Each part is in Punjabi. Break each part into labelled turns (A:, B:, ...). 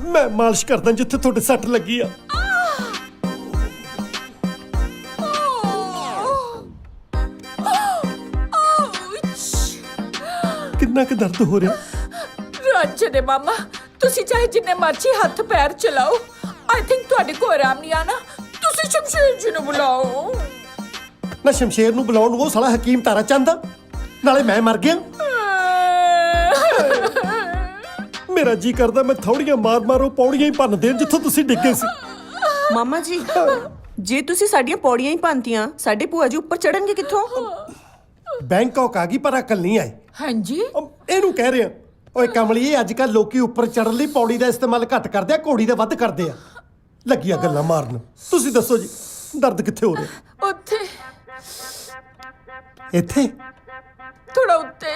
A: ਮੈਂ ਮਾਲਿਸ਼ ਕਰਦਾ ਜਿੱਥੇ ਤੁਹਾਡੇ ਸੱਟ ਲੱਗੀ ਆ। ਕਿੰਨਾ ਕੁ ਦਰਦ ਹੋ ਰਿਹਾ?
B: ਰਾਜੇ ਦੇ ਮਾਮਾ, ਤੁਸੀਂ ਚਾਹੇ ਜਿੰਨੇ ਮਰਜ਼ੀ ਹੱਥ ਪੈਰ ਚਲਾਓ, ਆਈ ਥਿੰਕ ਤੁਹਾਡੇ ਕੋਲ ਆਰਾਮ ਨਹੀਂ ਆਣਾ। ਤੁਸੀਂ ਸ਼ਮਸ਼ੇਰ ਜੀ ਨੂੰ ਬੁਲਾਓ।
A: ਨਾ ਸ਼ਮਸ਼ੇਰ ਨੂੰ ਬੁਲਾਉਣ ਨੂੰ ਉਹ ਸਾਲਾ ਹਕੀਮ ਤਾਰਾ ਚੰਦ ਆ, ਨਾਲੇ ਮੈਂ ਮਰ ਗਿਆ। ਮੇਰਾ ਜੀ ਕਰਦਾ ਮੈਂ ਥੋੜੀਆਂ ਮਾਰ ਮਾਰੋ ਪੌੜੀਆਂ ਹੀ ਭੰਨ ਦੇਣ ਜਿੱਥੋਂ ਤੁਸੀਂ ਡਿੱਗੇ ਸੀ।
C: ਮਾਮਾ ਜੀ, ਜੇ ਤੁਸੀਂ ਸਾਡੀਆਂ ਪੌੜੀਆਂ ਹੀ ਭੰਨਤੀਆਂ, ਸਾਡੇ ਭੂਆ ਜੀ ਉੱਪਰ ਚੜਨਗੇ ਕਿੱਥੋਂ?
A: ਬੈਂਕਾਕ ਆ ਗਈ ਪਰ ਅਕਲ ਨਹੀਂ ਆਈ।
B: ਹਾਂਜੀ,
A: ਇਹਨੂੰ ਕਹਿ ਰਿਹਾ। ਓਏ ਕਮਲੀਏ, ਅੱਜ ਕੱਲ ਲੋਕੀ ਉੱਪਰ ਚੜਨ ਲਈ ਪੌੜੀ ਦਾ ਇਸਤੇਮਾਲ ਘੱਟ ਕਰਦੇ ਆ, ਘੋੜੀ ਦਾ ਵੱਧ ਕਰਦੇ ਆ। ਲੱਗੀਆਂ ਗੱਲਾਂ ਮਾਰਨ। ਤੁਸੀਂ ਦੱਸੋ ਜੀ, ਦਰਦ ਕਿੱਥੇ ਹੋ ਰਿਹਾ?
B: ਉੱਥੇ
A: ਇੱਥੇ?
B: ਥੋੜਾ ਉੱਤੇ,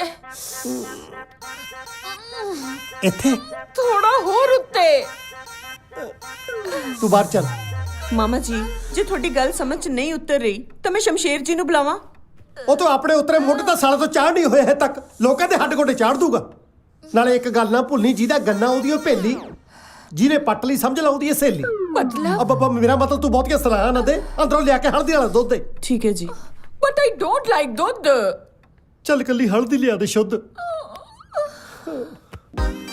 A: ਇੱਥੇ?
B: ਥੋੜਾ ਹੋਰ ਉੱਤੇ।
A: ਤੂੰ ਬਾਹਰ ਚੱਲ।
C: ਮਾਮਾ ਜੀ, ਜੇ ਤੁਹਾਡੀ ਗੱਲ ਸਮਝ 'ਚ ਨਹੀਂ ਉਤਰ ਰਹੀ ਤਾਂ ਮੈਂ ਸ਼ਮਸ਼ੇਰ ਜੀ ਨੂੰ ਬੁਲਾਵਾਂ?
A: ਉਹ ਤਾਂ ਆਪਣੇ ਉਤਰੇ ਮੁੱਢ ਤਾਂ ਸਾਲੇ ਤੋਂ ਚਾੜ ਨਹੀਂ ਹੋਇਆ ਹੈ ਤੱਕ, ਲੋਕਾਂ ਦੇ ਹੱਡ ਗੋਡੇ ਚਾੜ ਦੂਗਾ। ਨਾਲੇ ਇੱਕ ਗੱਲ ਨਾ ਭੁੱਲਣੀ, ਜਿਹਦਾ ਗੰਨਾ ਉਹਦੀ ਉਹ ਭੇਲੀ, ਜਿਹਨੇ ਪੱਟ ਲਈ ਸਮਝ ਲਾ ਉਹਦੀ ਇਹ ਸਹੇਲੀ।
B: ਮਤਲਬ?
A: ਅੱਬਾ ਮੇਰਾ ਮਤਲਬ ਤੂੰ ਬਹੁਤੀਆਂ ਸਲਾਹਾਂ ਨਾ ਦੇ, ਅੰਦਰੋਂ ਲਿਆ ਕੇ ਹਲਦੀ ਵਾਲਾ ਦੁੱਧ ਦੇ।
C: ਠੀਕ ਹੈ ਜੀ।
B: ਬਟ ਆਈ ਡੋਂਟ ਲਾਈਕ ਦੁੱਧ।
A: ਚੱਲ ਕੱਲੀ ਹਲਦੀ ਲਿਆ ਦੇ ਸ਼ੁੱਧ।